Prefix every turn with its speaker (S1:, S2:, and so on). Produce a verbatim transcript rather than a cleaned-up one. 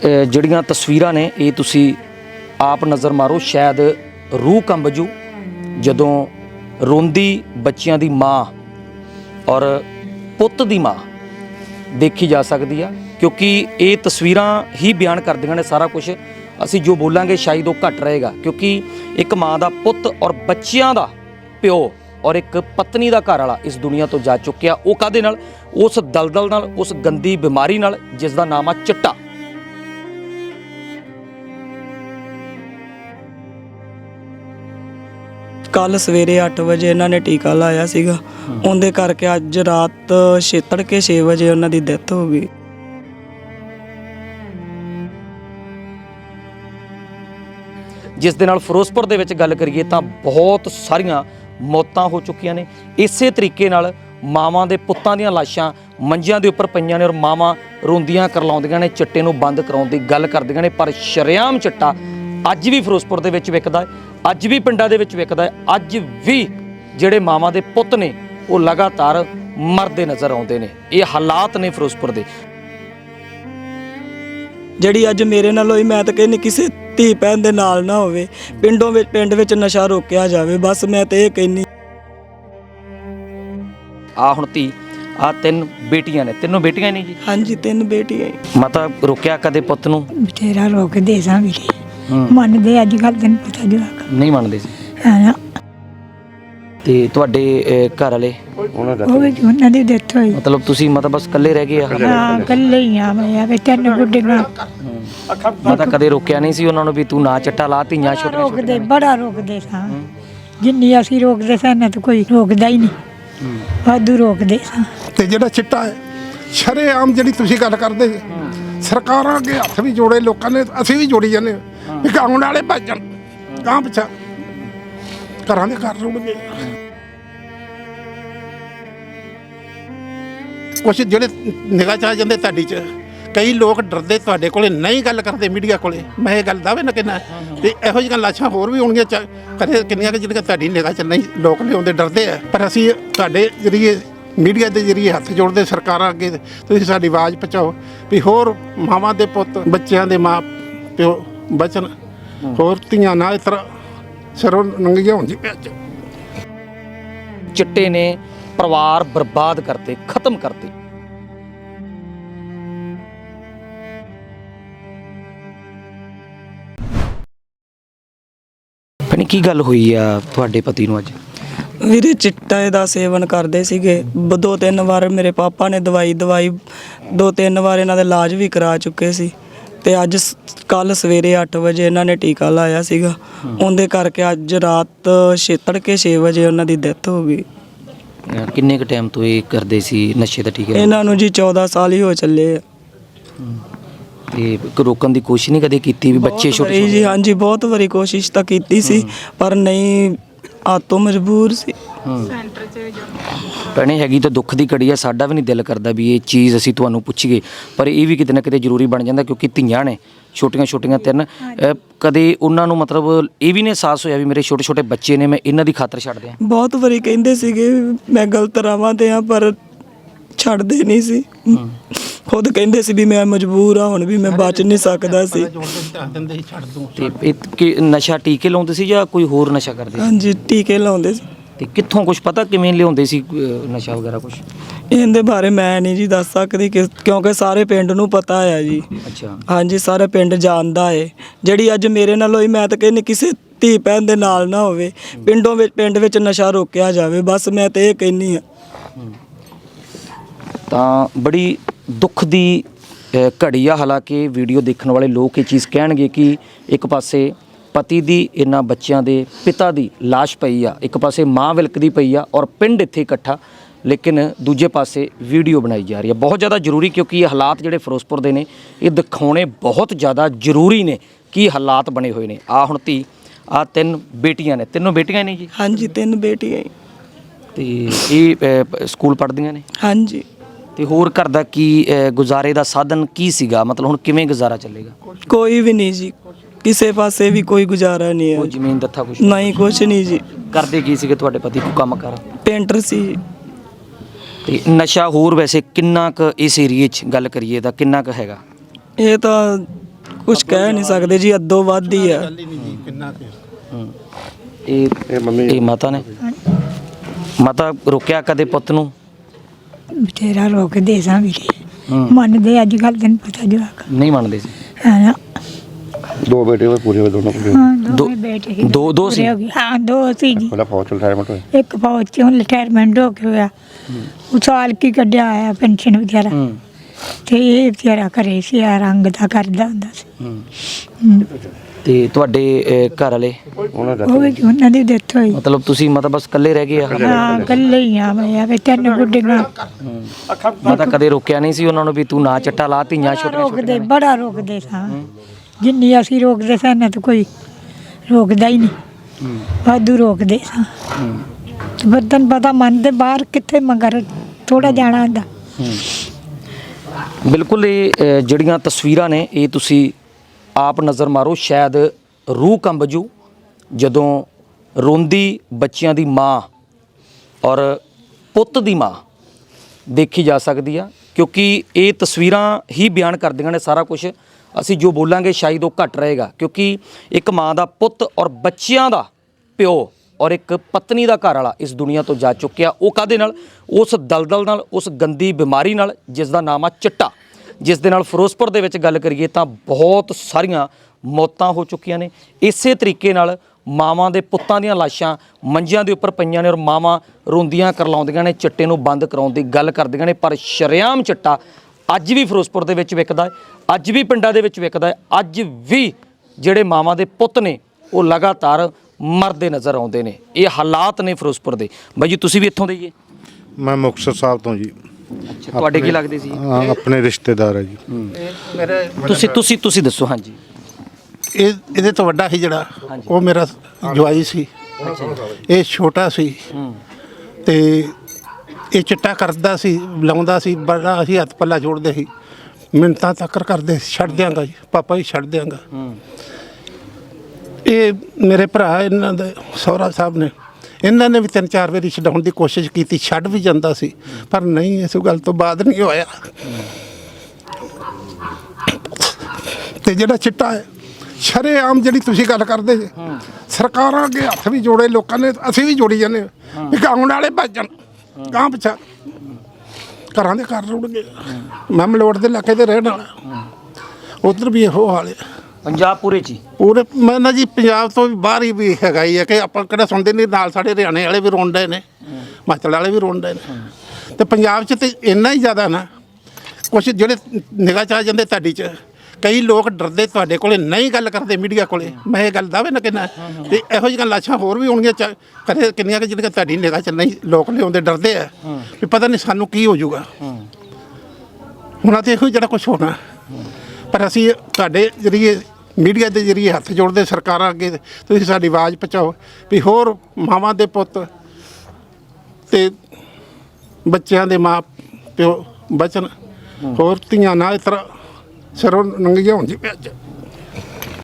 S1: ਜਿਹੜੀਆਂ ਤਸਵੀਰਾਂ ਨੇ ਇਹ ਤੁਸੀਂ ਆਪ ਨਜ਼ਰ ਮਾਰੋ, ਸ਼ਾਇਦ ਰੂਹ ਕੰਬ ਜੂ ਜਦੋਂ ਰੋਂਦੀ ਬੱਚਿਆਂ ਦੀ ਮਾਂ ਔਰ ਪੁੱਤ ਦੀ ਮਾਂ ਦੇਖੀ ਜਾ ਸਕਦੀ ਆ, ਕਿਉਂਕਿ ਇਹ ਤਸਵੀਰਾਂ ਹੀ ਬਿਆਨ ਕਰਦੀਆਂ ਨੇ ਸਾਰਾ ਕੁਝ। ਅਸੀਂ ਜੋ ਬੋਲਾਂਗੇ ਸ਼ਾਇਦ ਉਹ ਘੱਟ ਰਹੇਗਾ, ਕਿਉਂਕਿ ਇੱਕ ਮਾਂ ਦਾ ਪੁੱਤ ਔਰ ਬੱਚਿਆਂ ਦਾ ਪਿਓ ਔਰ ਇੱਕ ਪਤਨੀ ਦਾ ਘਰ ਵਾਲਾ ਇਸ ਦੁਨੀਆ ਤੋਂ ਜਾ ਚੁੱਕਿਆ। ਉਹ ਕਾਹਦੇ ਨਾਲ? ਉਸ ਦਲਦਲ ਨਾਲ, ਉਸ ਗੰਦੀ ਬਿਮਾਰੀ ਨਾਲ ਜਿਸ ਦਾ ਨਾਮ ਆ ਚਿੱਟਾ।
S2: ਕੱਲ ਸਵੇਰੇ ਅੱਠ ਵਜੇ ਇਹਨਾਂ ਨੇ ਟੀਕਾ ਲਾਇਆ ਸੀਗਾ, ਉਹਦੇ ਕਰਕੇ ਅੱਜ ਰਾਤ ਛੇ ਤੜਕੇ ਛੇ ਵਜੇ ਉਹਨਾਂ ਦੀ ਡੈਥ ਹੋ ਗਈ।
S1: ਜਿਸ ਦੇ ਨਾਲ ਫਿਰੋਜ਼ਪੁਰ ਦੇ ਵਿੱਚ ਗੱਲ ਕਰੀਏ ਤਾਂ ਬਹੁਤ ਸਾਰੀਆਂ ਮੌਤਾਂ ਹੋ ਚੁੱਕੀਆਂ ਨੇ। ਇਸੇ ਤਰੀਕੇ ਨਾਲ ਮਾਵਾਂ ਦੇ ਪੁੱਤਾਂ ਦੀਆਂ ਲਾਸ਼ਾਂ ਮੰਜਿਆਂ ਦੇ ਉੱਪਰ ਪਈਆਂ ਨੇ ਔਰ ਮਾਵਾਂ ਰੋਂਦੀਆਂ ਕਰਲਾਉਂਦੀਆਂ ਨੇ, ਚਿੱਟੇ ਨੂੰ ਬੰਦ ਕਰਾਉਣ ਦੀ ਗੱਲ ਕਰਦੀਆਂ ਨੇ। ਪਰ ਸ਼ਰੇਆਮ ਚਿੱਟਾ ਅੱਜ ਵੀ ਫਿਰੋਜ਼ਪੁਰ ਦੇ ਵਿੱਚ ਵਿਕਦਾ ਹੈ, ਅੱਜ ਵੀ ਪਿੰਡਾਂ ਦੇ ਵਿੱਚ ਵਿਕਦਾ ਹੈ। ਅੱਜ ਵੀ ਜਿਹੜੇ ਮਾਵਾਂ ਦੇ ਪੁੱਤ ਨੇ ਉਹ ਲਗਾਤਾਰ ਮਰਦੇ ਨਜ਼ਰ ਆਉਂਦੇ ਨੇ। ਇਹ ਹਾਲਾਤ ਨੇ ਫਿਰੋਜ਼ਪੁਰ ਦੇ।
S2: ਜਿਹੜੀ ਅੱਜ ਮੇਰੇ ਨਾਲ ਹੋਈ, ਮੈਂ ਤਾਂ ਕਹਿੰਦੀ ਕਿਸੇ ਧੀ ਭੈਣ ਦੇ ਨਾਲ ਨਾ ਹੋਵੇ। ਪਿੰਡੋਂ ਵਿੱਚ ਪਿੰਡ ਵਿੱਚ ਨਸ਼ਾ ਰੋਕਿਆ ਜਾਵੇ, ਬਸ ਮੈਂ ਤਾਂ ਇਹ ਕਹਿੰਦੀ।
S1: ਆ ਹੁਣ ਧੀ ਆ ਤਿੰਨ ਬੇਟੀਆਂ ਨੇ, ਤਿੰਨੋਂ ਬੇਟੀਆਂ ਨੇ ਜੀ?
S2: ਹਾਂਜੀ, ਤਿੰਨ ਬੇਟੀਆਂ।
S1: ਮਾਤਾ ਰੋਕਿਆ ਕਦੇ ਪੁੱਤ ਨੂੰ?
S3: ਬਥੇਰਾ ਰੋਕਦੇ ਸਾਂ ਵੀਰੇ, ਮੰਨਦੇ ਅੱਜ ਕੱਲ੍ਹ ਤੈਨੂੰ ਪਤਾ ਜਵਾਕ
S1: ਨਹੀਂ ਮੰਨਦੇ ਸੀ
S3: ਹੈ ਨਾ।
S1: ਤੇ ਤੁਹਾਡੇ ਘਰ ਵਾਲੇ
S3: ਉਹ ਵੀ ਉਹਨਾਂ ਦੀ ਡੈਥ ਹੋਈ।
S1: ਮਤਲਬ ਤੁਸੀਂ ਮਤਲਬ ਬਸ ਇਕੱਲੇ ਰਹਿ ਗਏ ਆ?
S3: ਹਾਂ, ਇਕੱਲੇ ਹੀ ਆ ਮੈਂ। ਵੇ ਤਿੰਨ ਗੁੱਡੀਆਂ।
S1: ਮਾਤਾ ਕਦੇ ਰੋਕਿਆ ਨਹੀਂ ਸੀ ਉਹਨਾਂ ਨੂੰ ਵੀ ਤੂੰ ਨਾ ਚਿੱਟਾ ਲਾ? ਧੀਆਂ ਛੋਟੀਆਂ
S3: ਰੋਕਦੇ, ਬੜਾ ਰੋਕਦੇ ਸਾਂ। ਜਿੰਨੀ ਅਸੀਂ ਰੋਕਦੇ ਸਾਂ ਨਾ ਤਾਂ ਕੋਈ ਰੋਕਦਾ ਹੀ ਨਹੀਂ, ਵਾਧੂ ਰੋਕਦੇ ਸਾਂ।
S4: ਤੇ ਜਿਹੜਾ ਚਿੱਟਾ ਹੈ ਸ਼ਰੇਆਮ, ਜਿਹੜੀ ਤੁਸੀਂ ਗੱਲ ਕਰਦੇ ਜੀ, ਸਰਕਾਰਾਂ ਅੱਗੇ ਹੱਥ ਵੀ ਜੋੜੇ ਲੋਕਾਂ ਨੇ, ਅਸੀਂ ਵੀ ਜੋੜੀ ਜਾਂਦੇ ਹਾਂ ਵੀ ਆਉਣ ਵਾਲੇ ਭੱਜਣ ਗਾਂ ਪਿੱਛਾ, ਘਰਾਂ ਦੇ ਘਰ ਰੁੜ ਗਏ। ਕੁਛ ਜਿਹੜੇ ਨਿਗਾਹ ਚ ਆ ਜਾਂਦੇ ਤੁਹਾਡੀ ਚ, ਕਈ ਲੋਕ ਡਰਦੇ ਤੁਹਾਡੇ ਕੋਲੇ ਨਹੀਂ ਗੱਲ ਕਰਦੇ ਮੀਡੀਆ ਕੋਲੇ। ਮੈਂ ਇਹ ਗੱਲ ਦਾਵੇ ਨਾ ਕਿੰਨਾ ਤੇ ਇਹੋ ਜਿਹੀਆਂ ਲਾਸ਼ਾਂ ਹੋਰ ਵੀ ਹੋਣਗੀਆਂ, ਕਦੇ ਕਿੰਨੀਆਂ ਕਿ ਜਿਹੜੀਆਂ ਤੁਹਾਡੀ ਨਿਗਾਹ ਚ ਨਹੀਂ ਲੋਕ ਲਿਆਉਂਦੇ, ਡਰਦੇ ਆ। ਪਰ ਅਸੀਂ ਤੁਹਾਡੇ ਜਰੀਏ ਮੀਡੀਆ ਦੇ ਜਰੀਏ ਹੱਥ ਜੋੜਦੇ ਸਰਕਾਰਾਂ ਅੱਗੇ, ਤੁਸੀਂ ਸਾਡੀ ਆਵਾਜ਼ ਪਹੁੰਚਾਓ ਵੀ ਹੋਰ ਮਾਵਾਂ ਦੇ ਪੁੱਤ, ਬੱਚਿਆਂ ਦੇ ਮਾਂ ਪਿਓ ਬਚਨ, ਹੋਰ ਧੀਆਂ ਨਾਲ ਇਸ ਤਰ੍ਹਾਂ ਸਿਰੋਂ ਨੰਗੀਆਂ ਹੋਣ ਜੀ।
S1: ਚਿੱਟੇ ਨੇ ਪਰਿਵਾਰ ਬਰਬਾਦ ਕਰਤੇ, ਖਤਮ ਕਰਤੇ। ਭੈਣੇ ਕੀ ਗੱਲ ਹੋਈ ਆ ਤੁਹਾਡੇ ਪਤੀ ਨੂੰ ਅੱਜ?
S2: ਵੀਰੇ ਚਿੱਟੇ ਦਾ ਸੇਵਨ ਕਰਦੇ ਸੀਗੇ। ਬ- ਦੋ ਤਿੰਨ ਵਾਰ ਮੇਰੇ ਪਾਪਾ ਨੇ ਦਵਾਈ ਦਵਾਈ ਦੋ ਤਿੰਨ ਵਾਰ ਇਹਨਾਂ ਦੇ ਇਲਾਜ ਵੀ ਕਰਾ ਚੁੱਕੇ ਸੀ। ਤੇ ਅੱਜ ਕੱਲ ਸਵੇਰੇ ਅੱਠ ਵਜੇ ਇਹਨਾਂ ਨੇ ਟੀਕਾ ਲਾਇਆ ਸੀਗਾ, ਉਹਦੇ ਕਰਕੇ ਅੱਜ ਰਾਤ ਛੇ ਤੜਕੇ ਛੇ ਵਜੇ ਉਹਨਾਂ ਦੀ ਡੈਥ ਹੋ ਗਈ।
S1: ਕਿੰਨੇ ਕੁ ਟਾਈਮ ਤੋਂ ਇਹ ਕਰਦੇ ਸੀ ਨਸ਼ੇ ਦਾ ਟੀਕਾ?
S2: ਇਹਨਾਂ ਨੂੰ ਜੀ ਚੌਦਾਂ ਸਾਲ ਹੀ ਹੋ ਚੱਲੇ ਆ।
S1: ਤੇ ਰੋਕਣ ਦੀ ਕੋਸ਼ਿਸ਼ ਨਹੀਂ ਕਦੇ ਕੀਤੀ ਵੀ ਬੱਚੇ ਛੋਟੇ
S2: ਛੋਟੇ? ਜੀ ਹਾਂਜੀ, ਬਹੁਤ ਵਾਰੀ ਕੋਸ਼ਿਸ਼ ਤਾਂ ਕੀਤੀ ਸੀ, ਪਰ ਨਹੀਂ, ਆਤੋਂ ਮਜਬੂਰ ਸੀ।
S1: ਭੈਣੇ ਹੈਗੀ ਤਾਂ ਦੁੱਖ ਦੀ ਘੜੀ ਆ। ਸਾਡਾ ਵੀ ਨਹੀਂ ਦਿਲ ਕਰਦਾ ਵੀ ਇਹ ਚੀਜ਼ ਅਸੀਂ ਤੁਹਾਨੂੰ ਪੁੱਛੀਏ, ਪਰ ਇਹ ਵੀ ਕਿਤੇ ਨਾ ਕਿਤੇ ਜ਼ਰੂਰੀ ਬਣ ਜਾਂਦਾ, ਕਿਉਂਕਿ ਧੀਆਂ ਨੇ ਛੋਟੀਆਂ ਛੋਟੀਆਂ ਤਿੰਨ। ਕਦੇ ਉਹਨਾਂ ਨੂੰ ਮਤਲਬ ਇਹ ਵੀ ਨਹੀਂ ਅਹਿਸਾਸ ਹੋਇਆ ਵੀ ਮੇਰੇ ਛੋਟੇ ਛੋਟੇ ਬੱਚੇ ਨੇ, ਮੈਂ ਇਹਨਾਂ ਦੀ ਖਾਤਰ ਛੱਡ ਦਿਆਂ?
S2: ਬਹੁਤ ਵਾਰੀ ਕਹਿੰਦੇ ਸੀਗੇ ਮੈਂ ਗਲਤ ਰਾਵਾਂ ਤੇ ਆ, ਪਰ ਛੱਡਦੇ ਨਹੀਂ ਸੀ। ਖੁਦ ਕਹਿੰਦੇ ਸੀ ਵੀ ਮੈਂ ਮਜਬੂਰ ਆ, ਹੁਣ ਵੀ ਮੈਂ ਬਚ ਨਹੀਂ ਸਕਦਾ ਸੀ।
S1: ਤੇ ਇਹ ਕਿ ਨਸ਼ਾ ਟੀਕੇ ਲਾਉਂਦੇ ਸੀ ਜਾਂ ਕੋਈ ਹੋਰ ਨਸ਼ਾ ਕਰਦੇ ਸੀ?
S2: ਹਾਂਜੀ, ਟੀਕੇ ਲਾਉਂਦੇ ਸੀ।
S1: ਤੇ ਕਿੱਥੋਂ ਕੁਝ ਪਤਾ ਕਿਵੇਂ ਲਿਆਉਂਦੇ ਸੀ ਅਹ, ਨਸ਼ਾ ਵਗੈਰਾ ਕੁਝ?
S2: ਇਹਦੇ ਬਾਰੇ ਮੈਂ ਨਹੀਂ ਜੀ ਦੱਸ ਸਕਦੀ ਕਿ- ਕਿਉਂਕਿ ਸਾਰੇ ਪਿੰਡ ਨੂੰ ਪਤਾ ਆ ਜੀ।
S1: ਅੱਛਾ।
S2: ਹਾਂਜੀ, ਸਾਰੇ ਪਿੰਡ ਜਾਣਦਾ ਏ। ਜਿਹੜੀ ਅੱਜ ਮੇਰੇ ਨਾਲ ਹੋਈ, ਮੈਂ ਤਾਂ ਕਹਿੰਦੀ ਕਿਸੇ ਧੀ ਭੈਣ ਦੇ ਨਾਲ ਨਾ ਹੋਵੇ। ਪਿੰਡੋਂ ਵਿੱਚ ਪਿੰਡ ਵਿੱਚ ਨਸ਼ਾ ਰੋਕਿਆ ਜਾਵੇ, ਬਸ ਮੈਂ ਤਾਂ ਇਹ ਕਹਿੰਦੀ ਆ।
S1: ਤਾਂ ਬੜੀ ਦੁੱਖ ਦੀ ਅ, ਘੜੀ ਆ। ਹਾਲਾਂਕਿ ਵੀਡੀਓ ਦੇਖਣ ਵਾਲੇ ਲੋਕ ਇਹ ਚੀਜ਼ ਕਹਿਣਗੇ ਕਿ ਇੱਕ ਪਾਸੇ ਪਤੀ ਦੀ, ਇਹਨਾਂ ਬੱਚਿਆਂ ਦੇ ਪਿਤਾ ਦੀ ਲਾਸ਼ ਪਈ ਆ, ਇੱਕ ਪਾਸੇ ਮਾਂ ਵਿਲਕਦੀ ਪਈ ਆ ਔਰ ਪਿੰਡ ਇੱਥੇ ਇਕੱਠਾ, ਲੇਕਿਨ ਦੂਜੇ ਪਾਸੇ ਵੀਡੀਓ ਬਣਾਈ ਜਾ ਰਹੀ ਹੈ। ਬਹੁਤ ਜ਼ਿਆਦਾ ਜ਼ਰੂਰੀ, ਕਿਉਂਕਿ ਇਹ ਹਾਲਾਤ ਜਿਹੜੇ ਫਿਰੋਜ਼ਪੁਰ ਦੇ ਨੇ ਇਹ ਦਿਖਾਉਣੇ ਬਹੁਤ ਜ਼ਿਆਦਾ ਜ਼ਰੂਰੀ ਨੇ ਕੀ ਹਾਲਾਤ ਬਣੇ ਹੋਏ ਨੇ। ਆ ਹੁਣ ਧੀ, ਆ ਤਿੰਨ ਬੇਟੀਆਂ ਨੇ, ਤਿੰਨੋਂ ਬੇਟੀਆਂ ਨੇ ਜੀ?
S2: ਹਾਂਜੀ, ਤਿੰਨ ਬੇਟੀਆਂ।
S1: ਤੇ ਇਹ ਅ, ਸਕੂਲ ਪੜ੍ਹਦੀਆਂ ਨੇ?
S2: ਹਾਂਜੀ।
S1: ਤੇ ਹੋਰ ਘਰ ਦਾ ਕੀ ਅ, ਗੁਜ਼ਾਰੇ ਦਾ ਸਾਧਨ ਕੀ ਸੀਗਾ? ਮਤਲਬ ਹੁਣ ਕਿਵੇਂ ਗੁਜ਼ਾਰਾ ਚੱਲੇਗਾ?
S2: ਕੋਈ ਵੀ ਨਹੀਂ ਜੀ, ਕਿਸੇ ਪਾਸੇ ਵੀ ਕੋਈ ਗੁਜ਼ਾਰਾ ਨਹੀਂ
S1: ਕੋਈ
S2: ਹੈ।
S1: ਜ਼ਮੀਨ ਦੱਥਾ ਕੁਛ
S2: ਨਹੀਂ, ਕੁਛ ਨਹੀਂ ਜੀ।
S1: ਕਰਦੇ ਕੀ ਸੀਗੇ ਤੁਹਾਡੇ ਪਤੀ? ਕੋਈ ਕੰਮ ਕਰ?
S2: ਪੇਂਟਰ ਸੀ।
S1: ਤੇ ਨਸ਼ਾ ਹੋਰ ਵੈਸੇ ਕਿੰਨਾ ਕੁ ਇਸ ਏਰੀਏ 'ਚ ਗੱਲ ਕਰੀਏ ਤਾਂ ਕਿੰਨਾ ਕੁ ਹੈਗਾ?
S2: ਇਹ ਤਾਂ ਕੁਝ ਕਹਿ ਨਹੀਂ ਸਕਦੇ ਜੀ, ਅੱਧੋ ਵੱਧ ਹੀ ਆ।
S4: ਕਿੰਨਾ
S1: ਇਹ ਇਹ ਮਾਤਾ ਨੇ ਮਾਤਾ ਰੋਕਿਆ ਕਦੇ ਪੁੱਤ ਨੂੰ?
S3: ਬਥੇਰਾ ਰੋਕਦੇ ਸਾਂ ਵੀਰੇ,
S1: ਹੂੰ।
S3: ਮੰਨਦੇ ਅੱਜ ਕੱਲ੍ਹ ਤੈਨੂੰ ਪਤਾ ਜਵਾਕ
S1: ਨਹੀਂ ਮੰਨਦੇ ਸੀ।
S3: ਹੈ ਨਾ।
S5: ਦੋ ਬੇਟੇ ਹੋਏ ਪੂਰੇ ਹੋਏ ਦੋਨੋਂ ਪੂਰੇ
S3: ਹਾਂ
S1: ਦੋ-
S3: ਦੋਵੇਂ ਬੇਟੇ ਸੀ,
S1: ਦੋ- ਦੋ ਸੀ?
S3: ਪੂਰੇ ਹੋ ਗਏ। ਹਾਂ ਦੋ ਸੀ ਜੀ।
S5: ਪਹਿਲਾਂ ਫੌਜ ਚ ਰਿਟਾਇਰਮੈਂਟ ਹੋਏ।
S3: ਇੱਕ ਫੌਜ ਚੋਂ ਰਿਟਾਇਰਮੈਂਟ ਹੋ ਕੇ ਹੋਇਆ, ਉਹ ਸਾਲ ਕੀ ਕੱਢਿਆ ਆਇਆ ਪੈਨਸ਼ਨ ਵਗੈਰਾ,
S1: ਹੂੰ
S3: ਤੇ ਇਹ ਵਿਚਾਰਾ ਘਰੇ ਸੀ, ਆ ਰੰਗ ਦਾ ਕਰਦਾ ਹੁੰਦਾ ਸੀ।
S1: ਹੂੰ।
S3: ਹੂੰ।
S1: ਤੇ ਤੁਹਾਡੇ ਅਹ, ਘਰ ਵਾਲੇ
S5: ਉਹਨਾਂ ਦਾ
S3: ਉਹ ਵੀ ਉਹਨਾਂ ਦੀ ਡੈਥ ਹੋਈ।
S1: ਮਤਲਬ ਤੁਸੀਂ ਮਤਲਬ ਬਸ ਇਕੱਲੇ ਰਹਿ ਗਏ ਆ?
S3: ਹਾਂ ਇਕੱਲੇ ਹੀ ਆ ਮੈਂ, ਵੇ ਤਿੰਨ ਗੁੱਡੀਆਂ।
S1: ਮਾਤਾ ਕਦੇ ਰੋਕਿਆ ਨਹੀਂ ਸੀ ਉਹਨਾਂ ਨੂੰ ਵੀ ਤੂੰ ਨਾ ਚਿੱਟਾ ਲਾ, ਧੀਆਂ
S3: ਬੜਾ
S1: ਛੋਟੀਆਂ
S3: ਰੋਕਦੇ, ਬੜਾ ਰੋਕਦੇ ਸਾਂ। ਜਿੰਨੀ ਅਸੀਂ ਰੋਕਦੇ ਸਾਂ ਨਾ ਤਾਂ ਕੋਈ ਰੋਕਦਾ ਹੀ ਨਹੀਂ, ਵਾਧੂ ਰੋਕਦੇ ਸਾਂ। ਤੇ ਬਦਨ ਪਤਾ ਮੰਨਦੇ ਬਾਹਰ ਕਿੱਥੇ, ਮਗਰ ਥੋੜਾ ਜਾਣਾ ਹੁੰਦਾ।
S1: ਬਿਲਕੁਲ ਇਹ ਅ, ਜਿਹੜੀਆਂ ਤਸਵੀਰਾਂ ਨੇ ਇਹ ਤੁਸੀਂ ਆਪ ਨਜ਼ਰ ਮਾਰੋ, ਸ਼ਾਇਦ ਰੂਹ ਕੰਬ ਜੂ ਜਦੋਂ ਰੋਂਦੀ ਬੱਚਿਆਂ ਦੀ ਮਾਂ ਔਰ ਪੁੱਤ ਦੀ ਮਾਂ ਦੇਖੀ ਜਾ ਸਕਦੀ ਆ, ਕਿਉਂਕਿ ਇਹ ਤਸਵੀਰਾਂ ਹੀ ਬਿਆਨ ਕਰਦੀਆਂ ਨੇ ਸਾਰਾ ਕੁਝ। ਅਸੀਂ ਜੋ ਬੋਲਾਂਗੇ ਸ਼ਾਇਦ ਉਹ ਘੱਟ ਰਹੇਗਾ, ਕਿਉਂਕਿ ਇੱਕ ਮਾਂ ਦਾ ਪੁੱਤ ਔਰ ਬੱਚਿਆਂ ਦਾ ਪਿਓ ਔਰ ਇੱਕ ਪਤਨੀ ਦਾ ਘਰ ਵਾਲਾ ਇਸ ਦੁਨੀਆ ਤੋਂ ਜਾ ਚੁੱਕਿਆ। ਉਹ ਕਾਹਦੇ ਨਾਲ? ਉਸ ਦਲਦਲ ਨਾਲ, ਉਸ ਗੰਦੀ ਬਿਮਾਰੀ ਨਾਲ ਜਿਸ ਦਾ ਨਾਮ ਆ ਚਿੱਟਾ, ਜਿਸ ਦੇ ਨਾਲ ਫਿਰੋਜ਼ਪੁਰ ਦੇ ਵਿੱਚ ਗੱਲ ਕਰੀਏ ਤਾਂ ਬਹੁਤ ਸਾਰੀਆਂ ਮੌਤਾਂ ਹੋ ਚੁੱਕੀਆਂ ਨੇ। ਇਸੇ ਤਰੀਕੇ ਨਾਲ ਮਾਵਾਂ ਦੇ ਪੁੱਤਾਂ ਦੀਆਂ ਲਾਸ਼ਾਂ ਮੰਜਿਆਂ ਦੇ ਉੱਪਰ ਪਈਆਂ ਨੇ ਔਰ ਮਾਵਾਂ ਰੋਂਦੀਆਂ ਕਰਲਾਉਂਦੀਆਂ ਨੇ, ਚਿੱਟੇ ਨੂੰ ਬੰਦ ਕਰਾਉਣ ਦੀ ਗੱਲ ਕਰਦੀਆਂ ਨੇ। ਪਰ ਸ਼ਰੇਆਮ ਚਿੱਟਾ ਅੱਜ ਵੀ ਫਿਰੋਜ਼ਪੁਰ ਦੇ ਵਿੱਚ ਵਿਕਦਾ ਹੈ, ਅੱਜ ਵੀ ਪਿੰਡਾਂ ਦੇ ਵਿੱਚ ਵਿਕਦਾ ਹੈ, ਅੱਜ ਵੀ ਜਿਹੜੇ ਮਾਵਾਂ ਦੇ ਪੁੱਤ ਨੇ ਉਹ ਲਗਾਤਾਰ ਮਰਦੇ ਨਜ਼ਰ ਆਉਂਦੇ ਨੇ। ਇਹ ਹਾਲਾਤ ਨੇ ਫਿਰੋਜ਼ਪੁਰ ਦੇ। ਬਾਈ ਜੀ ਤੁਸੀਂ ਵੀ ਇੱਥੋਂ ਦੇ ਹੀ ਹੈ?
S6: ਮੈਂ ਮੁਕਤਸਰ ਸਾਹਿਬ ਤੋਂ ਜੀ।
S1: ਅੱਛਾ, ਤੁਹਾਡੇ ਕੀ ਲੱਗਦੇ ਸੀ?
S6: ਹਾਂ, ਆਪਣੇ ਰਿਸ਼ਤੇਦਾਰ ਹੈ ਜੀ।
S4: ਮੇਰੇ
S1: ਤੁਸੀਂ ਤੁਸੀਂ ਤੁਸੀਂ ਦੱਸੋ। ਹਾਂਜੀ।
S4: ਇਹ ਇਹਦੇ ਤੋਂ ਵੱਡਾ ਸੀ ਜਿਹੜਾ, ਉਹ ਮੇਰਾ ਜਵਾਈ ਸੀ। ਇਹ ਛੋਟਾ ਸੀ ਤੇ ਇਹ ਚਿੱਟਾ ਕਰਦਾ ਸੀ, ਲਾਉਂਦਾ ਸੀ, ਬੜਾ ਅਸੀਂ ਹੱਥ ਪੱਲਾ ਜੋੜਦੇ ਸੀ, ਮਿੰਨਤਾਂ ਤੱਕ ਕਰਦੇ ਛੱਡ ਦਿਆਂਗਾ ਜੀ ਪਾਪਾ ਜੀ, ਛੱਡ ਦਿਆਂਗਾ। ਇਹ ਮੇਰੇ ਭਰਾ, ਇਹਨਾਂ ਦੇ ਸਹੁਰਾ ਸਾਹਿਬ ਨੇ, ਇਹਨਾਂ ਨੇ ਵੀ ਤਿੰਨ ਚਾਰ ਵਾਰੀ ਛਡਾਉਣ ਦੀ ਕੋਸ਼ਿਸ਼ ਕੀਤੀ, ਛੱਡ ਵੀ ਜਾਂਦਾ ਸੀ, ਪਰ ਨਹੀਂ, ਇਸ ਗੱਲ ਤੋਂ ਬਾਅਦ ਨਹੀਂ ਹੋਇਆ। ਤੇ ਜਿਹੜਾ ਚਿੱਟਾ ਹੈ ਸ਼ਰੇਆਮ, ਜਿਹੜੀ ਤੁਸੀਂ ਗੱਲ ਕਰਦੇ ਜੇ, ਸਰਕਾਰਾਂ ਅੱਗੇ ਹੱਥ ਵੀ ਜੋੜੇ ਲੋਕਾਂ ਨੇ, ਅਸੀਂ ਵੀ ਜੋੜੀ ਜਾਂਦੇ ਹਾਂ ਵੀ ਆਉਣ ਵਾਲੇ ਭੱਜਣ ਗਾਂ ਪਿਛਾ, ਘਰਾਂ ਦੇ ਘਰ ਰੁੜ ਗਏ। ਮੈਂ ਮਲੋਟ ਦੇ ਇਲਾਕੇ ਦੇ ਰਹਿਣ ਵਾਲਾ, ਉੱਧਰ ਵੀ ਇਹੋ ਹਾਲ ਹੈ।
S1: ਪੰਜਾਬ ਪੂਰੇ 'ਚ ਹੀ?
S4: ਪੂਰੇ ਮੈਂ ਨਾ ਜੀ ਪੰਜਾਬ ਤੋਂ ਵੀ ਬਾਹਰ ਹੀ ਵੀ ਹੈਗਾ ਹੀ ਹੈ ਕਿ ਆਪਾਂ ਕਿਹੜਾ ਸੁਣਦੇ ਨਹੀਂ, ਨਾਲ ਸਾਡੇ ਹਰਿਆਣੇ ਵਾਲੇ ਵੀ ਰੋਂਦੇ ਨੇ, ਹਿਮਾਚਲ ਵਾਲੇ ਵੀ ਰੋਂਦੇ ਨੇ। ਤੇ ਪੰਜਾਬ 'ਚ ਤੇ ਇੰਨਾ ਹੀ ਜ਼ਿਆਦਾ ਨਾ, ਕੁਛ ਜਿਹੜੇ ਨਿਗਾਹ 'ਚ ਆ ਜਾਂਦੇ ਤੁਹਾਡੀ 'ਚ, ਕਈ ਲੋਕ ਡਰਦੇ ਤੁਹਾਡੇ ਕੋਲੇ ਨਹੀਂ ਗੱਲ ਕਰਦੇ ਮੀਡੀਆ ਕੋਲੇ। ਮੈਂ ਇਹ ਗੱਲ ਦਾਵੇ ਨਾ ਕਿੰਨਾ, ਤੇ ਇਹੋ ਜਿਹੀਆਂ ਲਾਸ਼ਾਂ ਹੋਰ ਵੀ ਹੋਣਗੀਆਂ, ਚ ਕਦੇ ਕਿੰਨੀਆਂ ਕਿ ਜਿਹੜੀਆਂ ਤੁਹਾਡੀ ਨਿਗਾਹ 'ਚ ਨਹੀਂ, ਲੋਕ ਲਿਆਉਂਦੇ, ਡਰਦੇ ਆ ਵੀ ਪਤਾ ਨਹੀਂ ਸਾਨੂੰ ਕੀ ਹੋ ਜਾਊਗਾ। ਹੁਣ ਤਾਂ ਇਹੋ ਜਿਹੜਾ ਕੁਛ ਹੋਣਾ, ਪਰ ਅਸੀਂ ਤੁਹਾਡੇ ਜਰੀਏ, ਮੀਡੀਆ ਦੇ ਜਰੀਏ ਹੱਥ ਜੋੜਦੇ ਸਰਕਾਰਾਂ ਅੱਗੇ, ਤੁਸੀਂ ਸਾਡੀ ਆਵਾਜ਼ ਪਹੁੰਚਾਓ ਵੀ ਹੋਰ ਮਾਵਾਂ ਦੇ ਪੁੱਤ ਤੇ ਬੱਚਿਆਂ ਦੇ ਮਾਂ ਪਿਓ ਬਚਨ, ਹੋਰ ਧੀਆਂ ਨਾਲ ਇਸ ਤਰ੍ਹਾਂ ਸਿਰੋਂ ਨੰਗੀਆਂ ਹੁੰਦੀ ਅੱਜ।